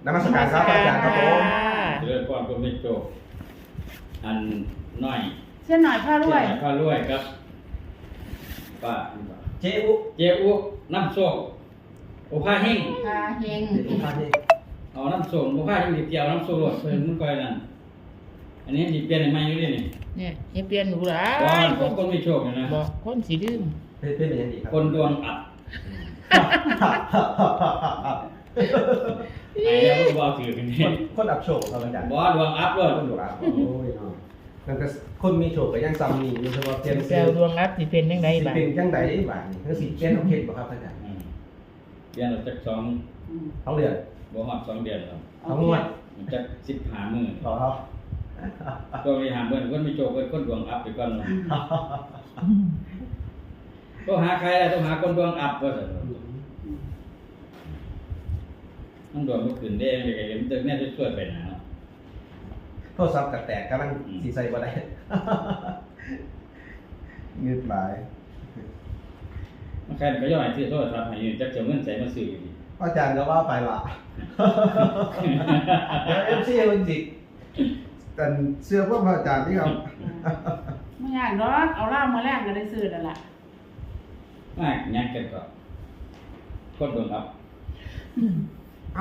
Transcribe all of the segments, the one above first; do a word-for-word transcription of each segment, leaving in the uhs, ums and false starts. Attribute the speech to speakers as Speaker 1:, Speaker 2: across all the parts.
Speaker 1: นมัสการครับอาจารย์ครับผม
Speaker 2: เจริญพรกรมนิโจอันน้อย
Speaker 3: เช่นหน่อยผ้ารวย
Speaker 2: ผ้ารวยครับป้า
Speaker 1: เจ้อุ
Speaker 2: เจ้อุน้ำโซกโอผ้าเฮง
Speaker 3: ผ้าเฮง
Speaker 1: โอผ้าเฮง
Speaker 2: เอาน้ำโซกโอผ้าเฮงดิเกี่ยวน้ำโซกรถเพิ่นมันก่อยนั่นอันนี้ดิเปลี่ยนใหม่อยู่ดินี่
Speaker 4: เนี่ยยังเปลี่ยนหนูหลา
Speaker 2: ยคนคนมีโชคนะ
Speaker 4: บ่คนสิดื้อ
Speaker 1: เป็นเป็นอย่างนี้ครับ
Speaker 2: คนดวงอับไอ้แล้วก็บ่ถือกันนี่
Speaker 1: คนอับโชคครับอาจารย์
Speaker 2: บ่ดวงอัพเลย
Speaker 1: คนดวงอับโอ้ยเนาะนั่นก็คนมีโชคก็ยังซ้ำนี่อยู่เฉพาะเพียง
Speaker 4: แซวดวงอัพสิเป็นจังได๋
Speaker 1: ล่ะเป็นจังได๋บาดนี่คือสิเปลี่ยนเอาเฮ็ดบ่ครับอาจารย์
Speaker 2: เปลี่ยนจักสอง
Speaker 1: สองเดือน
Speaker 2: บ่ฮอดสองเดือนแล้ว
Speaker 1: สองงวด
Speaker 2: จักสิบห้ามื้อ
Speaker 1: อ๋อครับ
Speaker 2: ก็มีหาเบิ่นคนมีโชคเพิ่นคนดวงอัพไปก่อนเนาะต้องหาใครล่ะต้องหาคนดวงอัพว่าซั่นต้องดวงบ่ขึ้นเด้ยังไงมันจะแน่จะช่วยไปนะเนาะ
Speaker 1: โทรศัพท์ก็แตกกำลังสิใส่บ่ได้เงืดหลาย
Speaker 2: มันใครก็ย่อยซื้อโทรศัพท์ให้อยู่จักจะเงินใส่มาซื้ออยู่ดิ
Speaker 1: อาจารย์ก็ว่าไปละแล้ว เอฟ ซี เพิ่นสิแต่เสื้อพวกอาจารย์นี่ครับ
Speaker 3: ไม่ยากดอกเอาล่ามมาแลกก็ได้ซื้อนั่นล่ะ
Speaker 2: มายักกันก็คนดวงอัพ
Speaker 1: เอ้า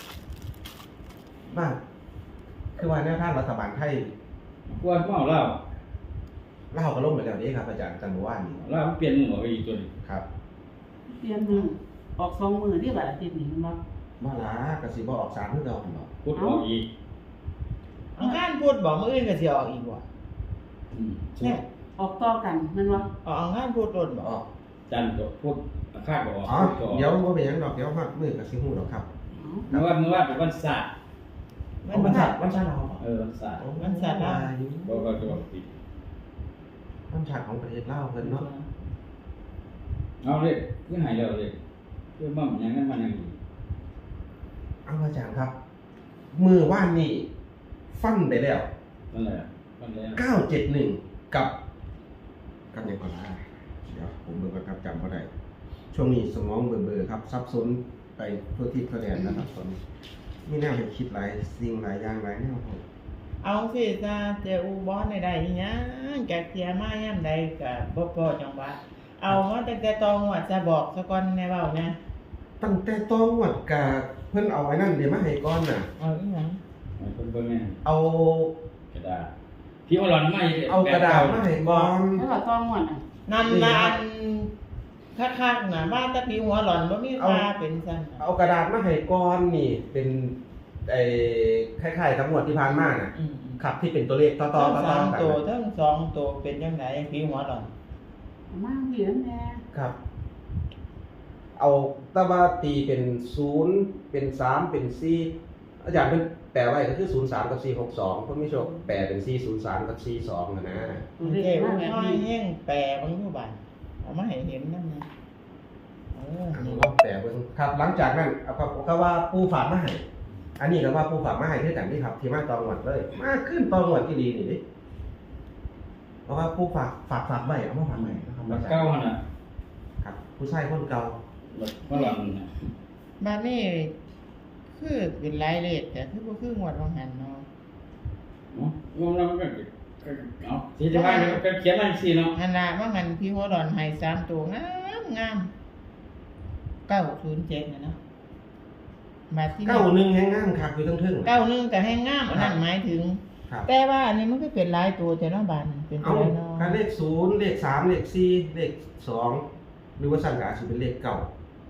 Speaker 1: บ้าคือว่าแนวทางรัฐบาลไทย
Speaker 2: กวนเมาเหล้า
Speaker 1: เหล้าก็ล่มไปแล้วนี่ครับอาจารย์จันทร์ว่านี่
Speaker 2: เหล้ามันเปลี่ยนมือไปอีกตัวนึง
Speaker 1: ครับ
Speaker 3: เปลี่ยนมือออกสองมือนี่บัดอาทิตย์นี้มั้ง
Speaker 1: บ่ล่ะก็สิบ่ออกสามคือเก่าหั่นบ่
Speaker 2: พูดออกอีก
Speaker 4: อังคารพูดบอกมื้ออื่นก็สิออกอีกบ่
Speaker 2: อืม
Speaker 3: เนี่ยออกต่อกันแม่นบ่
Speaker 4: ออกอังคารพูดโดนบ่
Speaker 1: ออก
Speaker 2: จันทร์ก็พูดอาฆาตก็ออก
Speaker 1: อ๋อเดี๋ยวบ่เป็นหยังดอกเดี๋ยวฮอดมื้อก็สิฮู้ดอกครับ
Speaker 2: เมื่อว่าเมื่อว่าเป็นวันศาสตร์
Speaker 1: วันศาสตร์วันศาสตร์เรา
Speaker 2: เออวันศาสตร์
Speaker 4: วันศาสตร์ลาว
Speaker 2: บ่ก็จะติด
Speaker 1: วันศาสตร์ของประเทศลาวเพิ่นเนาะ
Speaker 2: เอาเลยคือหายแล้วเลยคือมั่มหยังนั้นมันยัง
Speaker 1: เอาอาจารย์ครับมื้อวานนี้ฟันไปแล้ว
Speaker 2: นั่นแหละฟันแล้ว
Speaker 1: เก้าเจ็ดหนึ่งกับกับหยังก่อนล่ะเดี๋ยวผมเบิ่งก่อนครับจำบ่ได้ช่วงนี้สมองเบลอๆครับซับซ้อนไปทั่วทิศทั่วแดนนะครับตอนนี้มีแนวให้คิดหลายสิ่งหลายอย่างหลายแนวครับ
Speaker 4: เอาสิจ้าเจ้าอุบลได้ได้อีหยังแกเทียมายามใดก็บ่พอจังหวะเอามาตั้งแต่ตองวดจะบอกซะก่อนแน่เว้านะ
Speaker 1: ตั้งแต่ตองวดกะเพิ่นเอาไว้นั่นเดี๋ยวมาให้ก่อนน่ะ
Speaker 4: เอาอีหยัง
Speaker 2: ให้เพิ่นเบิ่งแน่
Speaker 1: เอา
Speaker 2: กระดาษพี่ว่าหลอนไม่
Speaker 1: เอากระดาษมาให้ก่อน
Speaker 3: แล้วก็ต้องหมดอ่ะ
Speaker 4: นั่นล่ะคักๆน่ะมาแต่พี่หัวหล่อนบ่มีค่าเป็นซั่น
Speaker 1: เอากระดาษมาให้ก่อนนี่เป็นไอ้คล้ายๆทั้งหมดที่ผ่านมาน่ะครับที่เป็นตัวเลขต่อๆต่อๆกัน
Speaker 4: ตัวทั้งสองตัวเป็นจังได๋พี่หัวหล่อน
Speaker 3: มาเหรียญแน่
Speaker 1: ครับเอาตะว่าตีเป็นศูนย์เป็นสามเป็นสี่อาจารย์เพิ่นแปลไว้ก็คือศูนย์สามกับสี่หกสองเพิ่นมีโชคแปลเป็นสี่ศูนย์สามกับสี่สองนะนะ
Speaker 4: เอ้ว่าน้อยแห้งแปลบางอยู่บัดเอามาให้เห็นนำนะเออ
Speaker 1: นี่ว่าแปลเบิ่งครับหลังจากนั้นเอาก็ว่าปู่ฝากมาให้อันนี้ก็ว่าปู่ฝากมาให้คือกันนี่ครับที่มาตองวดเลยมาขึ้นตองวดอีหลีนี่ดิเพราะว่าปู่ฝากฝากฝากไว้เอามาฝากไว้นะครับ
Speaker 2: เก่าหั่นน่ะ
Speaker 1: ครับผู้ชายคนเก่า
Speaker 2: บ่หลอนน่ะ
Speaker 4: บัดนี้คือเป็นหลายเลขแต่คือบ่คืองวดของหันเนาะ
Speaker 2: เนาะงงแล้วมันก็เอาสิจะว่าก็เขียนจังซี่เนาะ
Speaker 4: หั่นน่ะว่างั้นพี่หัวหล่อนให้สามตัวงามงามเก้าศูนย์เจ็ดน่ะเนาะ
Speaker 1: บัดที่เก้าหนึ่งแฮงงามคักอยู่ทึ่ง
Speaker 4: ๆเก้าหนึ่งก็แฮงงามอันนั้นหมายถึงแต่ว่าอันนี้มันก็เป็นหลายตัวแต่เนาะบาดเป็นตัวเนาะ
Speaker 1: คันเลขศูนย์เลขสามเลขสี่เลขสองหรือว่าสั่งก็อาจสิเป็นเลขเก้า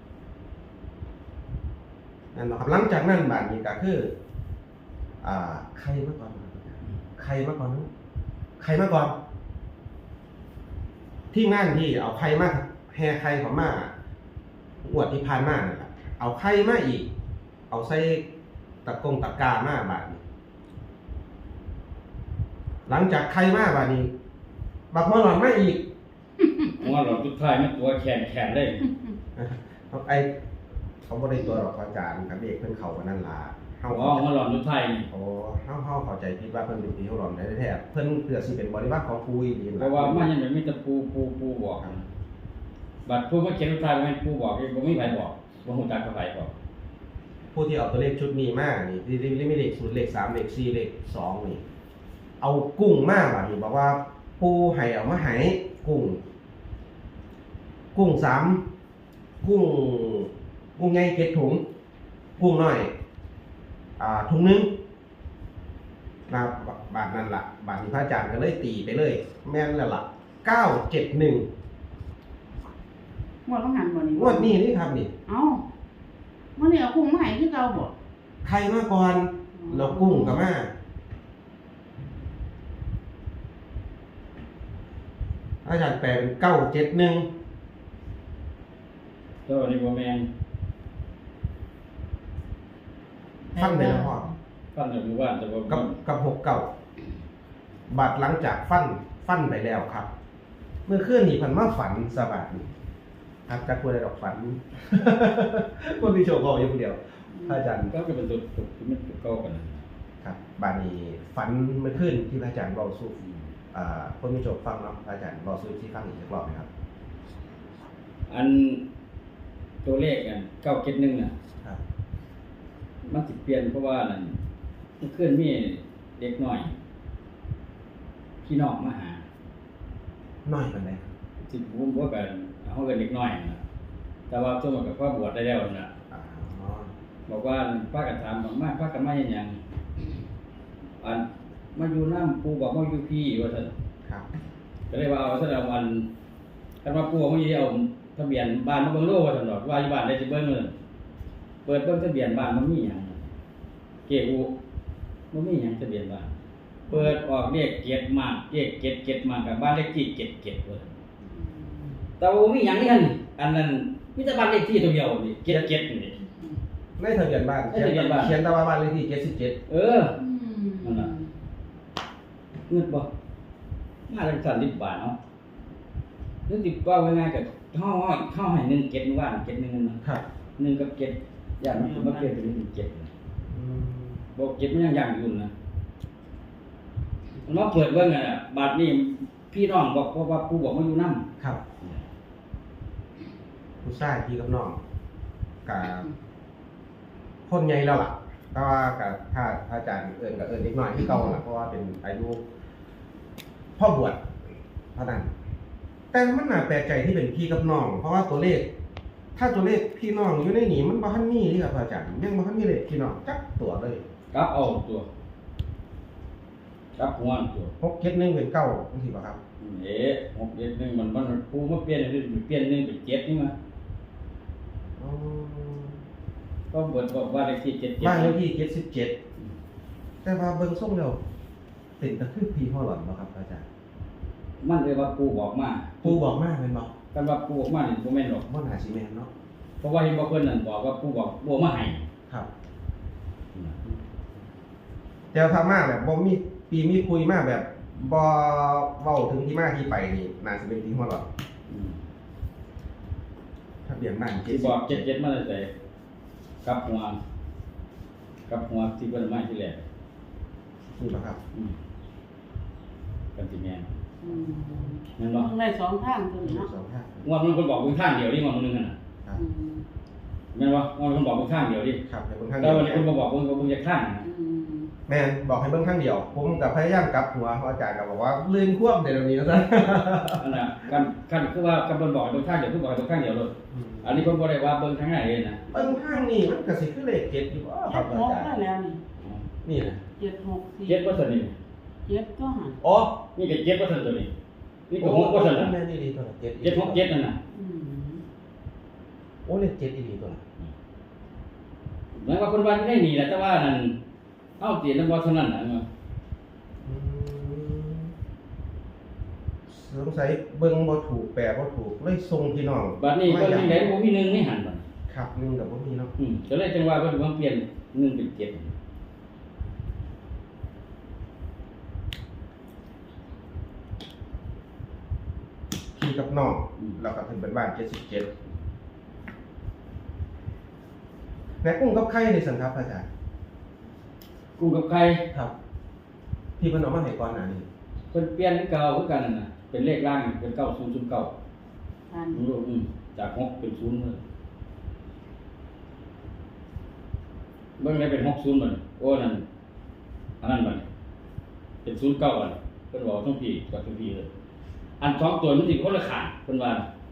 Speaker 1: นั่นเนาะครับหลังจากนั้นบาดนี้ก็คืออ่าใครมาก่อนใครมาก่อนใครมาก่อนที่งานที่เอาใครมาแห่ใครเข้ามาอวดที่ผ่านมานั่นล่ะเอาใครมาอีกเอาใส่ตะกงตะกร้ามาบาดนี้หลังจากใครมาบาดนี้บักหัวหลอนมาอีก
Speaker 2: หัวหลอนสุดท้ายมันตัวแข็งๆเลย
Speaker 1: ไอ้เขาบ่ได้ตัวหรอกอาจารย์ครับเด็กเพิ่นเข้ากันนั่นล่ะ
Speaker 2: เฮาอ๋อหัวหลอนสุดท้ายนี่
Speaker 1: โอ้เฮาเฮาเข้าใจผิดว่าเพิ่นเป็นผีหัวหลอนแท้ๆเพิ่นเพื่อสิเป็นบริวารของปู่อีหลี
Speaker 2: เพราะว่ามันยังมีแต่ปู่ปู่ปู่บอกบัดผู้มาเขียนสุดท้ายบ่แม่นปู่บอกบ่มีไผบอกบ่ฮู้จักกับไผบอก
Speaker 1: ผู้ที่เอาตัวเลขชุดนี้มานี่ที่ที่มีเลขศูนย์เลขสามเลขสี่เลขสองนี่เอากุ้งมากอ่ะนี่บอกว่าปูให้เอามาให้กุ้ง กุ้งสามกุ้งกุ้งใหญ่เจ็ดถุงกุ้งน้อยอ่าถุงนึงนะบาทนั่นละบาทนี้พระอาจารย์ก็เลยตีไปเลย แม่นแล้วล่ะเก้าเจ็ดหนึ่ง
Speaker 3: งวดต้องหันบ่นี่
Speaker 1: งวดนี้นี่ครับนี่
Speaker 3: เอ้ามื้อนี้เอากุ้งมาให้คือเก่าบ่
Speaker 1: ใครมาก่อนเรากุ้งกับมาอาจารย์แปลเป็นเก้าเจ็ดหนึ่ง
Speaker 2: ตัวนี้บ่แม่น
Speaker 1: ฟันไปแล้วพ่อ
Speaker 2: ฟันจากหมู่บ้านแต่ว่า
Speaker 1: กับกับหกเก่าบาดหลังจากฟันฟันไปแล้วครับ เมื่อคืนนี้เพันมาฝันสบายครับจักควรได้ดอกฝัน คนที่โชว์ก็อยู่คนเดียวพระอาจารย์
Speaker 2: ก็เป็นตัวตัวที่มันเก่ากันนะครับ
Speaker 1: บาดนี้ฝันเมื่อคืนที่พระอาจารย์เบาสู้อ่าคนที่โชว์ฟังเนาะพระอาจารย์เบาสู้ที่ฟังอีกสักรอบไหมครับ
Speaker 2: อันตัวเลขกันเก้าเจ็ดหนึ่งน่ะ
Speaker 1: ครับ
Speaker 2: มันสิเปลี่ยนเพราะว่านั่นมันเคลื่อนมีเด็กหน่อย พี่น้องมาหา
Speaker 1: น้อยมันเลย
Speaker 2: สิบุ้มพวกกันเขากันเด็กน้อยนะแต่ว่าตัวมันกับพ่อบวชได้แล้วนะ
Speaker 1: อ๋อ
Speaker 2: บอกว่าป้ากันถามบอกมากป้ากันมาอย่างยังอันมาอยู่น้ำปูบอกมาอยู่พี่ว่าท่าน
Speaker 1: ครับ
Speaker 2: ก็เลยว่าเอาท่านเอาวันกันว่าปูบอกมาอยู่ที่เอาทะเบียนบ้านมาเบิ่งโลกว่าท่านหรอกว่าอยู่บ้านได้จะเบิ่งเลยเปิดเบิ่งทะเบียนบ้านมันมีอย่างเกอูมันมีอย่างทะเบียนบ้านเปิดออกเลขเกียรติมากเลขเกียรติเกียรติมากกับบ้านเลขที่เกียรติเกียรติว่าซั่นแต่ว่ามีอย่างนี้อันอันนั้นมีแต่บ้านเลขที่ตัวเดียวนี่เกียรติเกียรตินี่
Speaker 1: ในทะเบียนบ้าน
Speaker 2: ในทะเบียนบ้าน
Speaker 1: เขียนแต่ว่าบ้านเลขที่เจ็ดสิบเจ็ด
Speaker 2: เออ นั่นน่ะ เงินบ่มาจังสั่นสิบบาทเนาะนึกสิว่าง่ายๆกับข้าวข้าวให้หนึ่งเก็ดว่านเก็ดหนึ่งนะครับ หนึ่งกับเก็ดอย่างมันมาเปลี่ยนเป็นหนึ่งเก็ด
Speaker 1: อืม
Speaker 2: บอกเก็ดมันยังอย่างอยู่นะมันมาเปิดเบิ่งอ่ะบาทนี้พี่น้องบอกเพราะว่าผู้บอกมาอยู่นำ
Speaker 1: ครับ ผู้ชายพี่กับน้องกับคนใหญ่แล้วล่ะแต่ว่ากับถ้าถ้าอาจารย์เอิญกับเอิญเล็กน้อยที่เก่าล่ะเพราะว่าเป็นอายุพ่อบวชเท่านั้นแต่มันน่าแปลกใจที่เป็นพี่กับน้อง เพราะว่าตัวเลข ถ้าตัวเลขพี่น้องอยู่ในนี้มันบ่ทันมีที่ครับอาจารย์ยังบ่ทันมีเลขพี่น้องจักตัวเลย
Speaker 2: กลับเอาตัวกลับหัวตัว
Speaker 1: หกเจ็ดหนึ่งเป็นเก้าจังซี่บ่ครับ
Speaker 2: เอ๊ะหกเจ็ดหนึ่งมันมันผู้มาเปลี่ยนเปลี่ยนหนึ่งเป็นเจ็ดนี่มา
Speaker 1: อ๋อ
Speaker 2: ก็เบิดบอกว่าเลขที่เจ็ดเจ็ด
Speaker 1: บ้านเลขที่เจ็ดสิบเจ็ดแต่ว่าเบิ่งทรงแล้วเป็นตะคือพี่พ่อหลอนบ่ครับอาจารย์
Speaker 2: มันเลยว่าปูบอกมา
Speaker 1: ปู่บอกมาแม่นบ่
Speaker 2: กันว่าปูบอกมานี่บ่แม่นหรอก
Speaker 1: บ่น่าสิแม่นเนาะ
Speaker 2: เพราะว่าเห็นบ่เพิ่นนั่นบอกว่าปูบอกบ่มาให้
Speaker 1: ครับ แต่ถ้ามาแบบบ่มีปีมีคุยมาแบบบ่เว้าถึงที่มาที่ไปนี่น่าสิเป็นพี่พ่อหลอน
Speaker 2: อืม
Speaker 1: ทะเบียนบ้าน
Speaker 2: ที่บอกเจ็ดเจ็ดมาตั้งแต่กลับหัวกลับหัวที่เพิ่นมาที่แรก
Speaker 1: นี่บ่ครับ
Speaker 2: อืมกันสิแม่น
Speaker 3: อืม
Speaker 2: แม่นบ่
Speaker 3: ต้องได้สองทางตัวนี้เนาะ
Speaker 1: สองห้า
Speaker 2: งวดมันคนบอกเพิ่นข้างเดียวนี่งวดมันนึงน่ะ
Speaker 1: ครับ
Speaker 3: อืม
Speaker 2: แม่นบ่งวดมันบอกเพิ่นข้างเดียวดิ
Speaker 1: ครับแต่คนข้าง
Speaker 2: แล้
Speaker 1: เดี
Speaker 2: ว
Speaker 1: ยว
Speaker 2: วันนี้เพิ่นบ่บอกเพิ่นก็เพิ่นจะข้างนะ
Speaker 3: อืม
Speaker 1: แม่นบอกให้เบิ่งข้างเดียว ผมก็พยายามกลับหัวเพราะอาจารย์ก็บอกว่าลืมควบเดี๋ยวนี้แล้วซะ
Speaker 2: นั่นน่ะกันกันคือว่ากันเพิ่นบอกให้เบิ่งข้างเดียวเพิ่นบอกให้เบิ่งข้างเดียวเลยอันนี้เพิ่นบ่ได้ว่าเบิ่งข้างไหนเลยนะ
Speaker 1: เบิ่งข้างนี่มันก็สิคือเลขเจ็ดอยู่บ่ค
Speaker 3: เจ็
Speaker 1: รับ
Speaker 3: ด
Speaker 1: อา
Speaker 3: หก
Speaker 1: จาร
Speaker 3: ได้
Speaker 1: ย์
Speaker 3: แล้วนี่
Speaker 1: นี่นะ
Speaker 3: เจ็ดหกสี่
Speaker 2: เจ็ดบ่ซั่นนี่
Speaker 3: เจ็ดก็หัน
Speaker 1: อ๋อ
Speaker 2: นี่ก็เจ็ดบ่ซั่นตัวนี้นี่ก็หกบ่ซั่นน่ะ
Speaker 1: แม่นี่ดีตัวละเจ็ด
Speaker 2: เจ็ดหกเจ็ดนั่นน่ะ
Speaker 3: อืม
Speaker 1: โอ้เลขเจ็ดอีดีตัวละ
Speaker 2: หมายว่าเพิ่นว่าได้นี่แหละแต่ว่านั่นเฮาสินำบ่เท่านั้นน่ะ
Speaker 1: อืมสงสัยเบิ่งบ่ถูกแปลบ่ถูกเลยส่งพี่น้อง
Speaker 2: บัดนี้เพิ่นจังได๋บ่มีหนึ่งในหันบัด
Speaker 1: ครับหนึงกับบ่มีเนาะ
Speaker 2: อืมก็เลยจังว่าเพิ่นว่าเปลี่ยนหนึ่งเป็นเจ็ด
Speaker 1: พี่กับน้องแล้วก็ถึงเป็นบ้านเจ็ดสิบเจ็ดแม่กุ้งกับไข่ในสันครับอาจารย์
Speaker 2: กูกับใคร
Speaker 1: ครับ ที่เพิ่นเอามาให้ก่อนหน้านี้
Speaker 2: เพิ่นเปลี่ยนคือเก่าคือกันนั่นน่ะเป็นเลขล่างเป็นเก้าศูนย์ศูนย์เก้า
Speaker 3: พัน
Speaker 2: อืมอืมจากหกเป็นศูนย์เลยเบิ่งได้เป็นหกศูนย์บัดโอ้นั่นอันนั้นบัดเป็นศูนย์เก้าบัดเพิ่นบอกทั้งพี่กับทั้งพี่เลยอันสองตัวมันสิคนละข้างเพิ่นว่า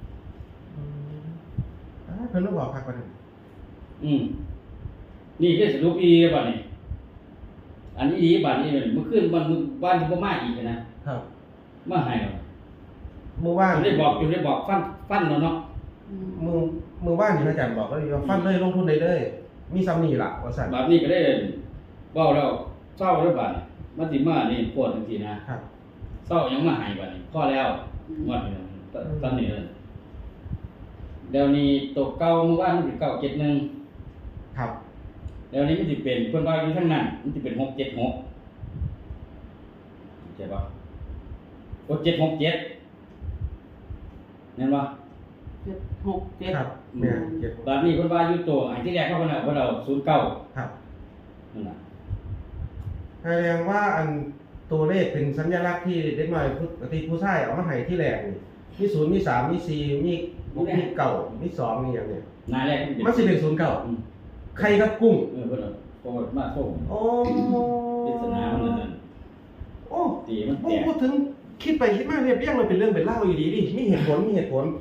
Speaker 1: อ่าเพิ่นต้องบอกคักกว่านั้น
Speaker 2: อืมนี่คือสรุปอีบัดนี้อันนี้อีบัดนี้เมื่อคืนวันบ้านที่บ่มาอีกนะครับ มาให้เอา
Speaker 1: เมื่อวาน
Speaker 2: อยู่ได้บอกอยู่ได้บอกฟันฟันแล้วเนาะ
Speaker 1: มือมือว่านที่พระอาจารย์บอกก็เลยว่าฟันเลยลงทุนได้เลยมีซ้ำนี่ล่ะว่าสั่น
Speaker 2: บัดนี้ก็ได้เว้าแล้วเศร้าแล้วบัดนี้มันสิมานี่ปวดจังซี่นะครับ เศร้ายังมาให้บัดนี้พอแล้วงวดนี้ตตอนนี้เลยเดี๋ยวนี้ตกเก่าเมื่อวานมันสิเก้าเจ็ดหนึ่ง
Speaker 1: ครับ
Speaker 2: เดี๋ยวนี้มันสิเป็นเพิ่นว่าอยู่ข้างนั้นมันสิเป็นหกเจ็ดหกเข้าใจป่ะหกเจ็ดหกเจ็ดนั่นป่ะ
Speaker 3: เจ็ดหกเจ็ด
Speaker 1: ครับแม่เจ็ด
Speaker 2: ตอนนี้เพิ่นว่าอยู่ตัวอันที่แรกเขาเพิ่นเอาเพิ่นเอาศูนย์เก้า
Speaker 1: ครับ
Speaker 2: นั่นน่ะ
Speaker 1: แสดงว่าอันตัวเลขเป็นสัญลักษณ์ที่เด็กน้อยผู้ปกติผู้ชายเอามาให้ที่แรกนี่มีศูนย์มีสามมีสี่มีมีเก่ามีสองมีอย่างเนี้ย
Speaker 2: หน้าแรกมันเป็น
Speaker 1: มันสิเป็นศูนย์เก่า
Speaker 2: อืม
Speaker 1: ใครครับกุ้ง
Speaker 2: เออเพิ่นเอาเพราะว่ามาส่ง
Speaker 1: โอ้
Speaker 2: ปริศนามันนั่นน่ะ
Speaker 1: โอ้
Speaker 2: ตีมันแต
Speaker 1: โอ้
Speaker 2: ก
Speaker 1: พูดถึงคิดไปคิดมาเรียบเรียงมันเป็นเรื่องเป็นเล่าวอยู่ดีดิมีเหตุผลมีเหตุผล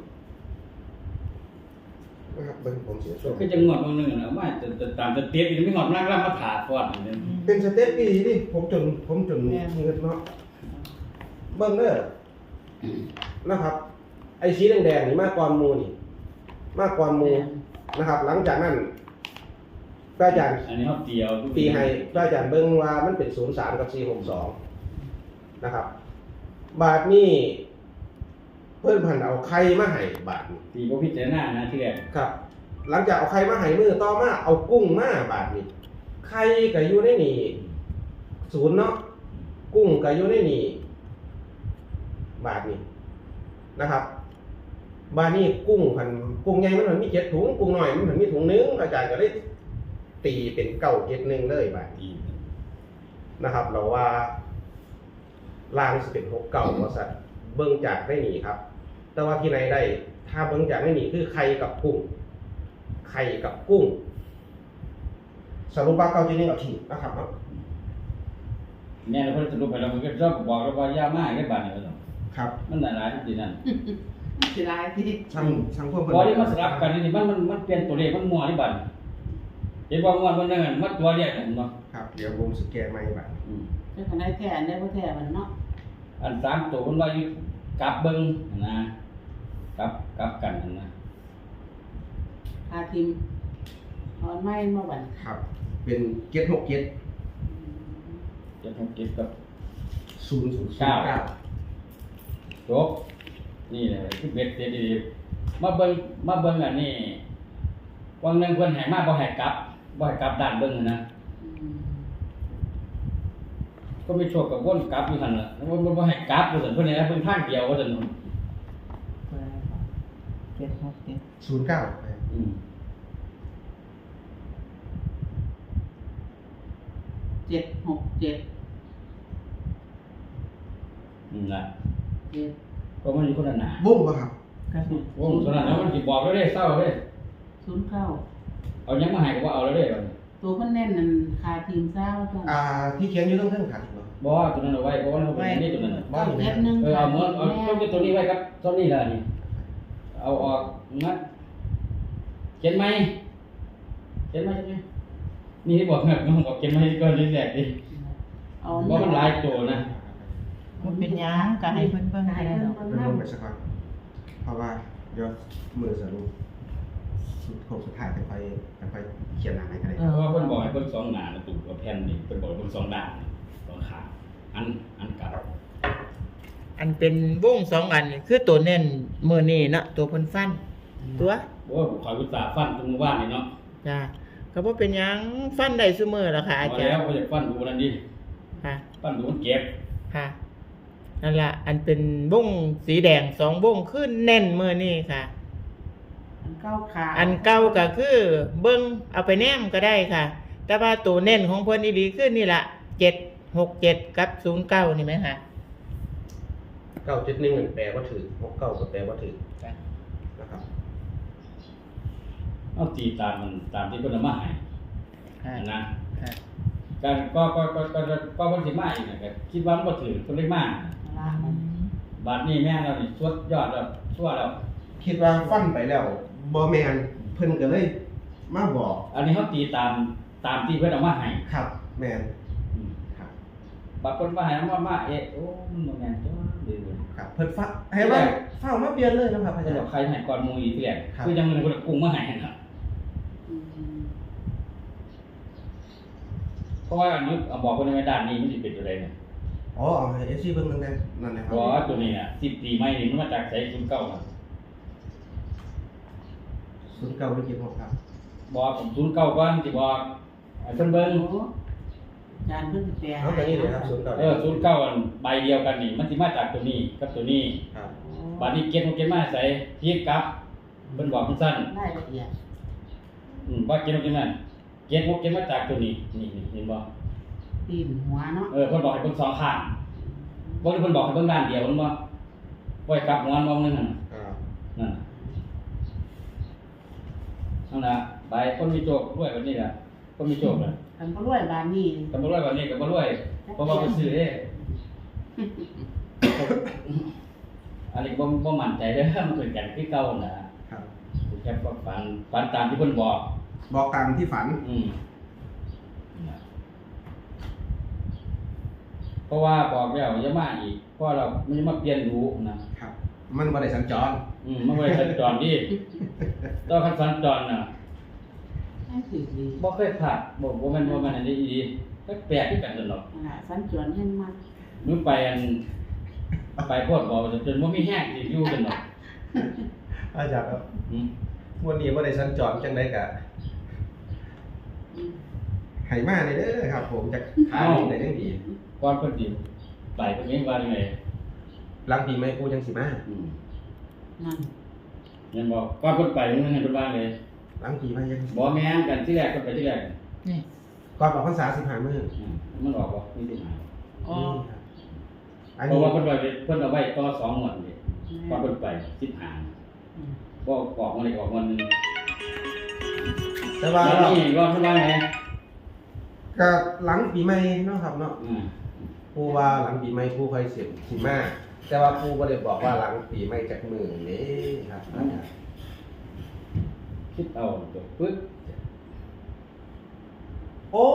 Speaker 1: นะครับเบิ่งผมเสียช่วง
Speaker 2: คือจังหวัดเมืองหนึงน่ะเอามาจะจะตามจะเตียบอีกมีหอดนั่งรับมาถาดก่อนอันนี้
Speaker 1: เป็นสเต็ปดีดิผมจนผมจนเงินเนาะเบิ่งเด้อนะครับ ไอ้สีแดงๆนี่มากกว่าหมูนี่ มากกว่าหมูนะครับ หลังจากนั้นพระอาจารย์
Speaker 2: อันนี้เฮาเตียว
Speaker 1: ตีให้พระอาจารย์เบิ่งว่ามันเป็นศูนย์สามกับสี่หกสองนะครับ บาทนี่เพิ่นพันเอาไข่มาให้บาทนี่
Speaker 2: ตีบ่พิจารณานะที่แรก
Speaker 1: ครับ หลังจากเอาไข่มาให้มือต่อมาเอากุ้งมาบาทนี่ไข่ก็อยู่ในนี่ศูนย์เนาะกุ้งก็อยู่ในนี่บาทนี่นะครับ บาทนี่กุ้งพันกุ้งใหญ่มันมันมีเจ็ดถุงกุ้งน้อยมันมันมีถุงนึงอาจารย์ก็เลยตีเป็นเก้าเจ็ดหนึ่งเลยบาท
Speaker 2: ตี
Speaker 1: นะครับ เราว่าลางสิเป็นหกเก่าว่าสัตว์เบิ้งจากได้หนีครับ แต่ว่าที่ไหนได้ ถ้าเบิ้งจากได้หนีคือไข่กับกุ้งไข่กับกุ้งสรุปว่าเก้าเจ็ดหนึ่งเอาทิ้งนะครับเนาะ
Speaker 2: แม่เราเพิ่นสรุปให้เรามันก็ชอบบอกเราว่าอย่ามาให้บาดนี้ว่าซั่น
Speaker 1: ครับ
Speaker 2: มันหลายๆที่นั่น
Speaker 3: สิลายที่
Speaker 1: ช่างช่างพวก
Speaker 2: พอที่มาสลับกันนี่มันมันมันเปลี่ยนตัวเลขมันมั่วนี่บัดเห็นว่างวดมันนั่นมันตัวเลขเห็นบ่
Speaker 1: ครับเดี๋ยวผมสแกนใหม่บัด
Speaker 2: อืม
Speaker 3: เป็นคนได้แท้ได้บ่แท้มันเนาะ
Speaker 2: อันสามตัวเพิ่นว่าอยู่กลับเบิ่งนะกลับกลับกันนั่นนะ
Speaker 3: พาทีมออนไม้มาบัด
Speaker 1: ครับ เป็นเจ็ดหกเจ็ด
Speaker 2: เจ็ดหกเจ็ดกับ
Speaker 1: ศูนย์ศูนย์
Speaker 2: เก้า
Speaker 1: เก้า
Speaker 2: จบนี่แหละคือเบ็ดเสร็จดีๆมาเบิ่งมาเบิ่งอันนี้วังหนึงเพิ่นให้มาบ่ให้กลับบ่ให้กลับด้านเบิ่งนะ
Speaker 3: อืม
Speaker 2: ก็ไม่โชคกับวนกลับอยู่หั่นล่ะแล้วมันบ่ให้กลับว่าซั่นเพิ่นให้เพิ่นทางเดียวว่าซั่น
Speaker 4: เจ็ดหกเจ็ด
Speaker 1: ศูนย์เก้า
Speaker 2: อืม
Speaker 3: เจ็ดหกเจ็ด
Speaker 2: นั่นล่ะ
Speaker 3: เจ็ด
Speaker 2: เพราะมันอยู่คนละหน้า
Speaker 1: บุ้งป่ะครับ
Speaker 4: กระสุน
Speaker 2: วงตอนนั้นแล้วมันสิบอกแล้วเด้เศร้าเด้
Speaker 3: ศูนย์เก้า
Speaker 2: เอายังมาให้ก็บ่เอาแล้วเด้บัดนี้
Speaker 3: ตัวเพิ่นแน่นนั่นคาทีมเศร้าจัง
Speaker 1: อ่าที่เขียนอยู่ต้องเท่งขันเหรอ
Speaker 2: บ่ตัวนั้นเอาไว้เพราะว่ามันเป็นนี่ตัวนั้นน่ะ
Speaker 1: บ้านอยู่ไหน
Speaker 3: เจ็ดหนึ่ง
Speaker 2: เออเอาหมดเอาตัวตัวนี้ไว้ครับตัวนี้ล่ะนี่เอาออกมัดเขียนไหมเขียนไหมเขียนไหมนี่ที่บอกแบบน้องบอกเขียนไหมก่อนแรกดิ
Speaker 3: เอา
Speaker 2: ว่ามันหลายตัวนะ
Speaker 4: มันเป็นหยังก็ให้เพิ่นเบิ่งให้ดอก
Speaker 1: เป็นลงไปสักก่อนเพราะว่าเดี๋ยวมือสรุปสุดโค้งสุดท้ายจะไปจะไปเขียนหนังให้กันเลย
Speaker 2: เพราะว่าเพิ่นบอกให้เพิ่นสองหน้าแล้วตุ่กับแผ่นนี่เพิ่นบอกให้เพิ่นสองด้านสองขาอันอันกลับ
Speaker 4: อันเป็นวงสองอันนี่คือตัวเน้นมื้อนี้เนาะตัวเพิ่นฟัน ตัว
Speaker 2: โอ้ยขอยอุตส่าห์ฟันตรงหมู่บ้านนี่เนาะ
Speaker 4: จ้าก็บ่เป็นหยังฟันได้ซุมื้อล่ะค่ะอา
Speaker 2: พอ
Speaker 4: จาร
Speaker 2: แล้ว
Speaker 4: ย์
Speaker 2: บ่อยากฟันดูนั่นดิ
Speaker 4: ค่ะ
Speaker 2: ฟันดูมันเก็บ
Speaker 4: ค่ะนั่นล่ะอันเป็นวงสีแดงสองวงคือแน่นมื้อนี้ค่ะ
Speaker 3: อันเก้าขา
Speaker 4: อันเก่าก็คือเบิ่งเอาไปแนมก็ได้ค่ะ แต่ว่าตัวเน้นของเพิ่นอีหลีคือนี่ล่ะเจ็ดหกเจ็ดกับศูนย์เก้านี่ไหมคะ
Speaker 1: เก้าเจ็ดหนึ่งแปลว่าถือหกเก้าก็แปลว่าถือ
Speaker 4: จ้ะ
Speaker 1: นะครับ
Speaker 2: เอาตีตามมันตามที่เพิ่นเอามาให้
Speaker 4: คค่ะ
Speaker 2: นะ
Speaker 4: ค่ะ
Speaker 2: การก็ก็ก็ก็ก็คนสิมาอีกนะก็คิดว่ามันบ่ถือคนเลยมา
Speaker 3: ลามัน
Speaker 2: บัดนี้แม่เรานี่สุดยอดแล้วชั่วแล้ว
Speaker 1: คิดว่าฟันไปแล้วบ่แม่นเพิ่นก็เลยมาบอก
Speaker 2: อันนี้เขาตีตามตามที่เพิ่นเอามาให้
Speaker 1: ครับแม่น
Speaker 2: อืม
Speaker 1: ครับ
Speaker 2: บางคนมาให้มามาเอ๊ะโอ้มันบ่แม่นจ้าดีเลย
Speaker 1: ครับเพิ่นฟ้าให้ว่าฟ้ามาเปลี่ยนเลยนะครับอา
Speaker 2: จะ
Speaker 1: จาร
Speaker 2: บอก
Speaker 1: ย์
Speaker 2: ใครให้ก่อนหมู่อีกทีแรก
Speaker 1: ครับ
Speaker 2: คือยังมีคนกุ้งมาให้นะ
Speaker 3: อืม
Speaker 2: เพราะว่าอันนี้เอาบอกคนในด้านนี้มันสิเป็นอะไรเนี่ย
Speaker 1: อ๋อเอาให้ เอฟ ซี เบิ่งนั่นแหละนั่นแหละครั
Speaker 2: เพราะว่าตัวนี้น่ะสิบปีใหม่นี่มันมาจากไสศูนย์เก้าน่ะ
Speaker 1: ศูนย์เก้าหรือเจ็ดหกครับ
Speaker 2: บอกผมศูนย์เก้าก่อนสิบอกให้เพิ่นเบิ่ง
Speaker 3: โอ้จานเพิ่นสิแปล
Speaker 1: เอาอย่างนี้เลยครับศูนย์เก้า
Speaker 2: เออศูนย์เก้าอันใบเดียวกันนี่มันสิมาจากตัวนี้กับตัวนี้
Speaker 1: ครับ
Speaker 2: บัดนี้เก็บของเก็บมาใส่พีกกลับเพิ่นบอกสั้น
Speaker 3: รายละเอียด
Speaker 2: ๆอืมว่าเก็บของเก็บมาเก็บของเก็บมาจากตัวนี้นี่นี่เห็นบ่
Speaker 3: ตีนหัวเนาะ
Speaker 2: เออเพิ่นบอกให้เบิ่งสองข้างบ่ได้เพิ่นบอกให้เบิ่งด้านเดียวมันบ่บ่ให้กลับหัวมองนึงนั่น
Speaker 1: อ่า
Speaker 2: นั่นน่ะนั่นน่ะใบคนมีโชครวยแบบนี้ล่ะคนมีโชคน่ะ
Speaker 3: คันบ่รวยบานนี้
Speaker 2: ก็บ่รวยแบบนี้ก็บ่รวยเพราะว่าไปซื้อเด้ อันนี้บ่บ่มั่นใจเด้อมันเป็นกันคือเก่าน่ะ
Speaker 1: ครับ
Speaker 2: แค่ฝันฝันตามที่เพิ่นบอก
Speaker 1: บอกตามที่ฝัน
Speaker 2: อืมเพราะว่าบอกแล้วอย่ามาอีกเพราะเรามันจะมาเปลี่ยนรู้นะครับ
Speaker 1: มันบ่ได้สัญจร
Speaker 2: อืมมันบ่ได้สัญจรดิตอนคันสัญจรน่ะ
Speaker 3: ให้ถือดี
Speaker 2: บ่เคยพลาดบ่บ่แม่นบ่แม่นอันนี้อีหลีแปลกๆคือกันนั่นหรอก
Speaker 3: นั่นล่ะสัญจรเห็นมาก
Speaker 2: มื้อไปอันไปโพดบ่จนบ่มีแห้งสิอยู่กันดอก
Speaker 1: อาจารย์ครับ
Speaker 2: อืม
Speaker 1: วันนี้บ่ได้สัญจรจังได๋ก็
Speaker 3: อืม
Speaker 1: ให้มาได้เด้อครับ ผมจะขายได้จังดี
Speaker 2: ก่อนเพิ่นสิไปเพิ่นเองว่าจังได๋
Speaker 1: หลังปีใหม่กูจังสิมา
Speaker 2: อืม
Speaker 3: นั่น
Speaker 2: ยังบอกก่อนเพิ่นไปมันให้เพิ่นว่าเลย
Speaker 1: หลังปีใหม่ยัง
Speaker 2: บ่แม่นกันที่แรกเพิ่นไปที่แรก
Speaker 4: นี่
Speaker 1: ก่อนออกพรรษาสิบห้ามื้อ
Speaker 2: อืมมันออกบ่มีสิหา
Speaker 3: อ๋อ
Speaker 1: ครับอัน
Speaker 2: เพ
Speaker 1: นี้
Speaker 2: ราะว่าเพิ่นว่าเพิ่นเอาไว้ต่อสองงวดนี่ก่อนเพิ่นไปสิบห้า
Speaker 3: อืม
Speaker 2: บ่ออกมาเลยออกวันหนึง
Speaker 1: แต่ว่า
Speaker 2: แล้วนี่ก็เพิ่นว่าไง
Speaker 1: ก็หลังปีใหม่เนาะครับเนาะ
Speaker 2: อืม
Speaker 1: ปูว่าหลังปีใหม่ปูค่อยเสียสิมาแต่ว่าปูบ่ได้บอกว่าหลังปีใหม่จักมื้อนี้ครับอาจารย์
Speaker 2: คิดเอาตัวปึ๊บ
Speaker 1: โอ้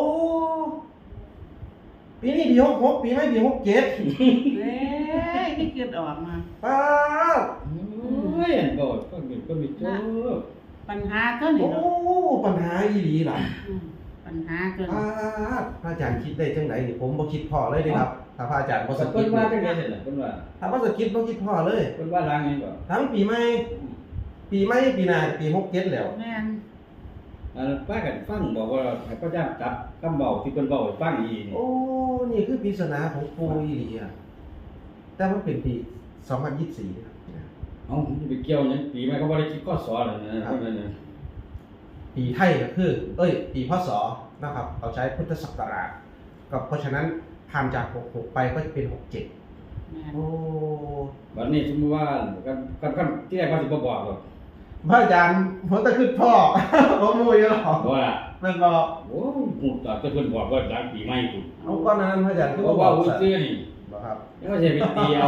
Speaker 1: ปีนี้ปีหกหกปีใหม่ปีหกเจ็ด
Speaker 3: เอ้ยนี่เกิดออกมา
Speaker 1: ป้าบ
Speaker 2: โอ้ยอันบ่ก็มีก็มีโจก
Speaker 3: ปัญหาก็นี่
Speaker 1: โอ้
Speaker 3: เนาะ
Speaker 1: ปัญหาอีหลีล่ะ
Speaker 3: อืมปัญหาก็
Speaker 1: ป้าบพระอาจารย์คิดได้จังไดนี่ผมบ่คิดพอเลยเด้ครับถ้าพระอาจารย์บ่สะ
Speaker 2: เพิ่
Speaker 1: กิ
Speaker 2: น
Speaker 1: ด
Speaker 2: ว่าจังได๋ซั่นน่ะเพิ่นว่า
Speaker 1: ถ้าบ่สะกิดบ่คิดพอเลย
Speaker 2: เพิ่นว่าล้างนี่บ่
Speaker 1: ทั้งปีใหม่ปีใหม่ปีหน้าปีหกเจ็ดแล้ว
Speaker 3: แม่น
Speaker 2: อันป้ากันฟังบอกว่าให้พระเจ้าจับคำเว้าที่เพิ่นเว้าให้ฟังอีกนี่
Speaker 1: โอ้นี่คือปริศนาของปูอีหลีอ่ะแต่มันเป็นปีสองพันยี่สิบสี่ครับ
Speaker 2: เอ้ามันไปเกี่ยวหยังปีใหม่เขาบ่ได้คิดข้อสอนเลยนะเพิ่นนั่นน่ะ
Speaker 1: ปีไทยก็คือ เอ้ย ปีพศนะครับเราใช้พุทธศักราชก็เพราะฉะนั้นผ่านจากหกหกไปก็จะเป็นหกเจ็ด
Speaker 3: แม่น
Speaker 1: โอ้
Speaker 2: บัดนี้สมมุติว่ากันกันกันที่แรกว่าสิบ่บอกหรอก
Speaker 1: พระอาจารย์ผมตะขึ้นพ่อ ผมมูยหรอก
Speaker 2: บ่ล่ะ
Speaker 1: มันบอก
Speaker 2: โอ้หูตาแต่เพิ่นบอกว่าหลังปีใหม่พุ่น
Speaker 1: เอาก้อนนั้นพระอาจารย์คือ
Speaker 2: เพราะว่าหูซื่อนี่
Speaker 1: บอกครับ
Speaker 2: ยังว่าสิไปตีเอา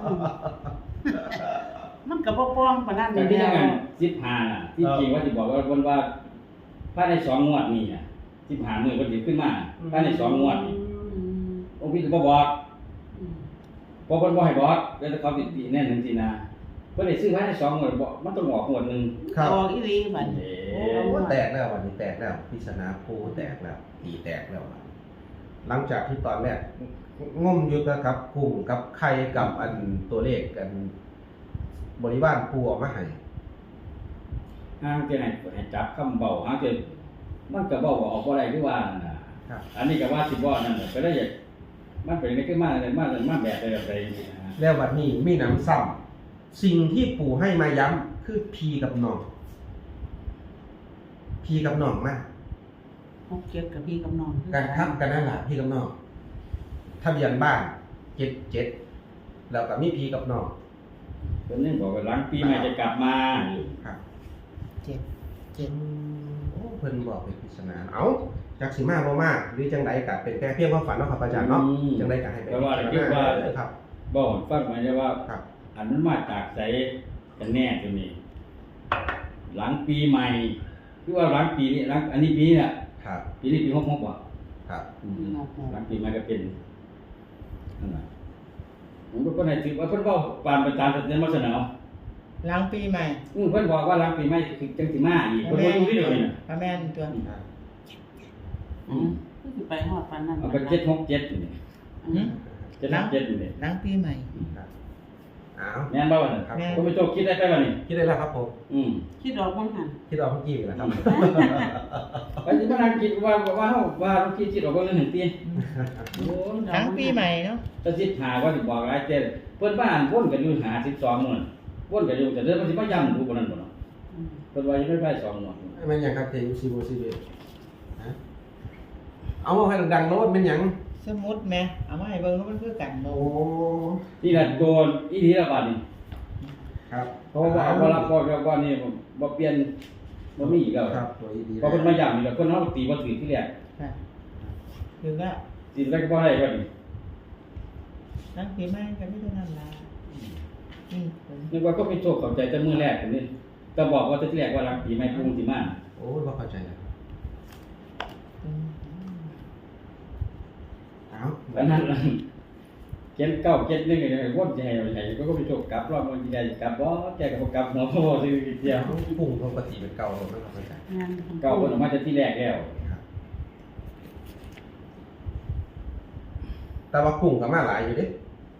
Speaker 3: มันก็บ่ป้องปานนั้น
Speaker 2: แต่
Speaker 3: เดี
Speaker 2: ที่
Speaker 3: ย
Speaker 2: นั่น
Speaker 3: ว
Speaker 2: กันสิบห้าน่ะที่จริงว่าสิบอกว่าเพิ่นว่าภายในสองงวดนี้น่ะสิบห้ามื้อเพิ่นสิขึ้นมาภายในสองงวดนี้
Speaker 3: อืม
Speaker 2: องค์พี่ก็บ่บอก
Speaker 3: อืม
Speaker 2: เพราะเพิ่นบ่ให้บอกแล้วแต่เขาสิตีแน่นจังซี่นะเพิ่นได้ซื้อภายในสองงวดบ่มันต้องออกงวดหนึง
Speaker 1: ครับ
Speaker 3: ออกอีหลีบัดนี้
Speaker 2: เอ๊
Speaker 1: โอ้
Speaker 2: ะ
Speaker 1: แตกแล้ววันนี้แตกแล้วพิศนาปูแตกแล้วปีแตกแล้วหลังจากที่ตอนแรกงมอยู่กับกุ้งกับไข่กับอันตัวเลขกัน บริวารปูออกมาให้
Speaker 2: ห้างจะให้ให้จับคำเบาห้างจะมันก็เบาออกบ่ได้คือว่านั่นน่ะ
Speaker 1: ครับ
Speaker 2: อันนี้ก็ว่าสิบ่นั่นน่ะก็ได้อยากมันเป็นได้ขึ้นมาเลยมาเลยมาแบบใดแบบใดจังซี่นะ
Speaker 1: แล้ววันนี้มีน้ำซ้ำสิ่งที่ปู่ให้มาย้ำคือพีกับน้องพีกับน้องมาก
Speaker 3: หกเจ็ดกับพี่กับน้องคือ
Speaker 1: การทับกันนั่นแหละพี่กับน้องทะเบียนบ้านเจ็ดเจ็ดแล้วก็มีพีกับน้อง
Speaker 2: เพิ่นยังบอกว่าหลังปีใหม่จะกลับมา
Speaker 1: ครับ
Speaker 4: เจ็ดเจ็ด
Speaker 1: โอ้เพิ่นบอกเป็นปริศนาเอ้าจักสิมาบ่มาหรือจังไดก็เป็นแค่เพียงความฝันเนาะครับอาจารย์เนาะจังไดก็ให้เป็น
Speaker 2: แต่ว่าคิดว่า
Speaker 1: ครับ
Speaker 2: บอกให้ฟังมาได้ว่า
Speaker 1: ครับ
Speaker 2: อันนั้นมาจากไสกันแน่ตัวนี้ หลังปีใหม่คือว่าหลังปีนี้หลังอันนี้ปีนี้แหละ
Speaker 1: ครับ
Speaker 2: ปีนี้ปีหกหกบ่
Speaker 1: ครับ
Speaker 2: อืมหลังปีใหม่ก็เป็นนั่นแหละผมก็คนไหนถือว่าเพิ่นเว้าปานประจานเสนอมาเสนอ
Speaker 4: หลังปีใหม่
Speaker 2: อือเพิ่นบอกว่าหลังปีใหม่คือจังสิมาอีกเพิ่นบ่อยู่ที่เดียวนี่น่ะ
Speaker 4: พระแม่นตัว
Speaker 2: อืม
Speaker 3: คือสิไปฮอดปานนั้น
Speaker 2: เอาไปเจ็ดหกเจ็ดนี่
Speaker 3: อืม
Speaker 2: เจ็ดหกเจ็ดนี่
Speaker 4: หลังปีใหม่
Speaker 1: ครับอ้าว
Speaker 2: แม่นบ่ว่านั่น
Speaker 1: ครับ
Speaker 4: แม่น
Speaker 2: ผมไปโจคิดได้ไปบ่นี่
Speaker 1: คิดได้แล้วครับผม
Speaker 2: อืม
Speaker 3: คิดออกบ่หั่น
Speaker 1: คิดออกเมื่อกี้แล้วครับ
Speaker 2: ไปสิมานั่งคิดว่าว่าเฮาว่าเราคิดสิออกบ่นึงหนึ่งปีโอ้ย
Speaker 4: หลังปีใหม่เนาะ
Speaker 2: จะสิหาว่าสิบอกหลายเจ้เพิ่นบ้านวนกันอยู่หาสิบสองหน่วยวนกันอยู่แต่เด้อมันสิมาย้ำดูบ่นั่นบ่เนาะ
Speaker 3: อืม
Speaker 2: เพิ่นว่ายังไม่ไปสองหน่วย
Speaker 1: มันหยังครับเทยูซีโบซีเบฮะเอามาให้ดังๆโน้ตเป็นหยัง
Speaker 4: สมุดแม่เอามาให้เบิ่งว่ามันคือกันบ่
Speaker 1: โอ้
Speaker 2: นี่ล่ะโดนอีทีละบาดนี่
Speaker 1: ครับ
Speaker 2: เพราะว่าเอาบ่รับบ่แล้วบ่นี่บ่เปลี่ยนบ่มีอีกแล้ว
Speaker 1: ครับตัวอีดี
Speaker 2: เพราะเพิ่นมาย้ำนี่แล้วเพิ่นเฮาตีบ่ถือที่แรก
Speaker 4: ค่ะถึงแล้ว
Speaker 2: ตีได้ก็บ่ได้ว่านี่
Speaker 4: หลังปีใหม่ก็มีเท่านั้นล่ะนี่ผม
Speaker 2: นึกว่าก็เป็นโชคเข้าใจแต่มื้อแรกนี่ก็บอกว่าแต่ที่แรกว่ารักปีใหม่ปรุงสิมา
Speaker 1: โอ้ยบ่เข้าใจแล้ว
Speaker 4: อืม
Speaker 1: เอา
Speaker 2: อันนั้นล่ะเขียนเก้าเจ็ดนึงก็ได้วนสิให้เอาให้ก็ก็ไปโชคกลับรอบมันสิได้กลับบ่แกก็บ่กลับเนาะเพราะว่าสิเดียว
Speaker 1: ปุ่งปกติเป็นเก่าแล้วไม่เข้าใจ
Speaker 3: งาน
Speaker 2: เก่าเพิ่นออกมาแต่ที่แรกแล้ว
Speaker 1: ครับแต่ว่ากุ้งก็มาหลายอยู่เด้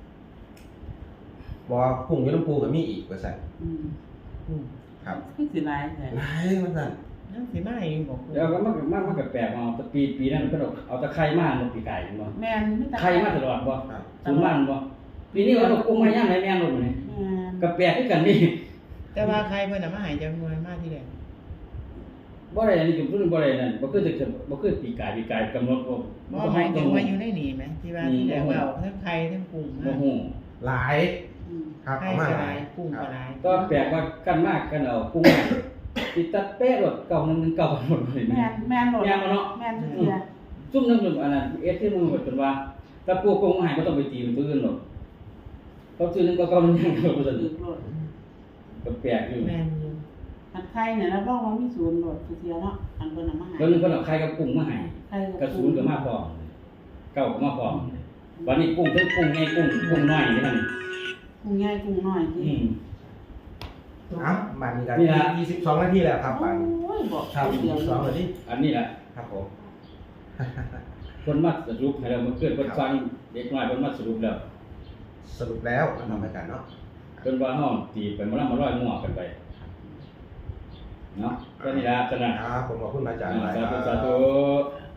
Speaker 1: บ่ว่ากุ้งอยู่น้ำปูก็มีอีกว่าซั่น
Speaker 3: อืม
Speaker 4: อืม
Speaker 1: ครับ
Speaker 3: คือสิหลายแท้
Speaker 1: หลายว่าซั่น
Speaker 4: หลังปีใหม่บอก
Speaker 2: แล้วก็มันก็มันมันก็แปลกเอาแต่ปีปีนั้นเพิ่นเอาเอาตะไคร้มาเนาะปีไก่บ่
Speaker 3: แม่นมีแต่
Speaker 2: ไข่มาตลอดบ่
Speaker 1: ครับ
Speaker 2: ศูนย์ล้านบ่ปีนี้ว่าเรากุ้งมาย่างไหนแม่นบ่นี่
Speaker 3: แม่น
Speaker 2: ก็แปลกคือกันนี่
Speaker 4: แต่ว่าใครเพิ่นเอามาให้จังหน่วยมาที่แรก
Speaker 2: บ่ได้อันนี้ก็เพิ่นบ่ได้นั่นบ่คือจะบ่คือปีไก่ปีไก่กำหนดบ่
Speaker 4: บ่หมายถึงว่าอยู่ในนี่ไหมที่ว่าที่แรกว่าเอาทั้งไข่ทั้งกุ้ง
Speaker 2: บ่
Speaker 4: มา
Speaker 2: ฮู้
Speaker 1: หลาย
Speaker 3: อืม
Speaker 1: ครับ
Speaker 4: ไข่
Speaker 1: เอามา
Speaker 4: ก็
Speaker 1: ห
Speaker 4: ห
Speaker 1: ลา
Speaker 4: ลาย ยกุ้งก็หลาย
Speaker 2: ก็แปลกว่ากันมากกันเอากุ้งมาสิตัดเป๊ะรถเก่านึงเก่าหมดเลย
Speaker 3: แม่นแม่นโหลด
Speaker 2: แม่นบ่เนาะ
Speaker 3: แม่นทุกเทื่อ
Speaker 2: ซุ่มนึงอันนั้นเอสที่มึงแบบจนว่าถ้าปลูกกุ้งมาให้บ่ต้องไปตีมันตัวอื่นหรอกเขาซื้อนึงก็เก่านึงยังเก่าบ่ซั่น
Speaker 3: ถือโหลด
Speaker 2: ก็แปลกอยู่
Speaker 4: แม่นอยู่
Speaker 3: อันไข่เนี่ยรับรองว่ามีศูนย์โหลดทุกเทื่อเนาะอันเพิ่นเอามาให้
Speaker 2: แล้วนึงเพิ่นเอาไข่กับกุ้งมาให้
Speaker 3: ไข่
Speaker 2: กระศูนย์ก็มาพร้อมเก่าก็มาพร้อมวันนี้กุ้งทั้งกุ้งใหญ่กุ้งกุ้งน้อยนี่มัน
Speaker 3: กุ้งใหญ่กุ้งน้อยจริ
Speaker 2: อื
Speaker 3: ง
Speaker 2: ม
Speaker 1: เอ้ามานี่ก็
Speaker 2: นี่ล่ะ
Speaker 1: ยี่สิบสองนาทีแล้วครับ
Speaker 3: โอ้
Speaker 1: ป่าน
Speaker 3: ยบอก
Speaker 1: ครับ
Speaker 3: เดียว
Speaker 1: สองนาที
Speaker 2: อันนี้แหละ
Speaker 1: ครับผม
Speaker 2: คนมาสรุปให้เราเมื่อคืนคนฟังเด็กน้อยคนมาสรุปแล้ว
Speaker 1: สรุปแล้วนะครับอาจารย์เนาะ
Speaker 2: จนว่าเฮาตีไปมาแล้วมาร้อยมั่วกันไปเนาะก็นี่ล่ะสนะครับ
Speaker 1: ผมขอบคุณอาจารย์หลาย
Speaker 2: สา
Speaker 1: ค
Speaker 2: ธุ
Speaker 1: รับ
Speaker 2: สาธุ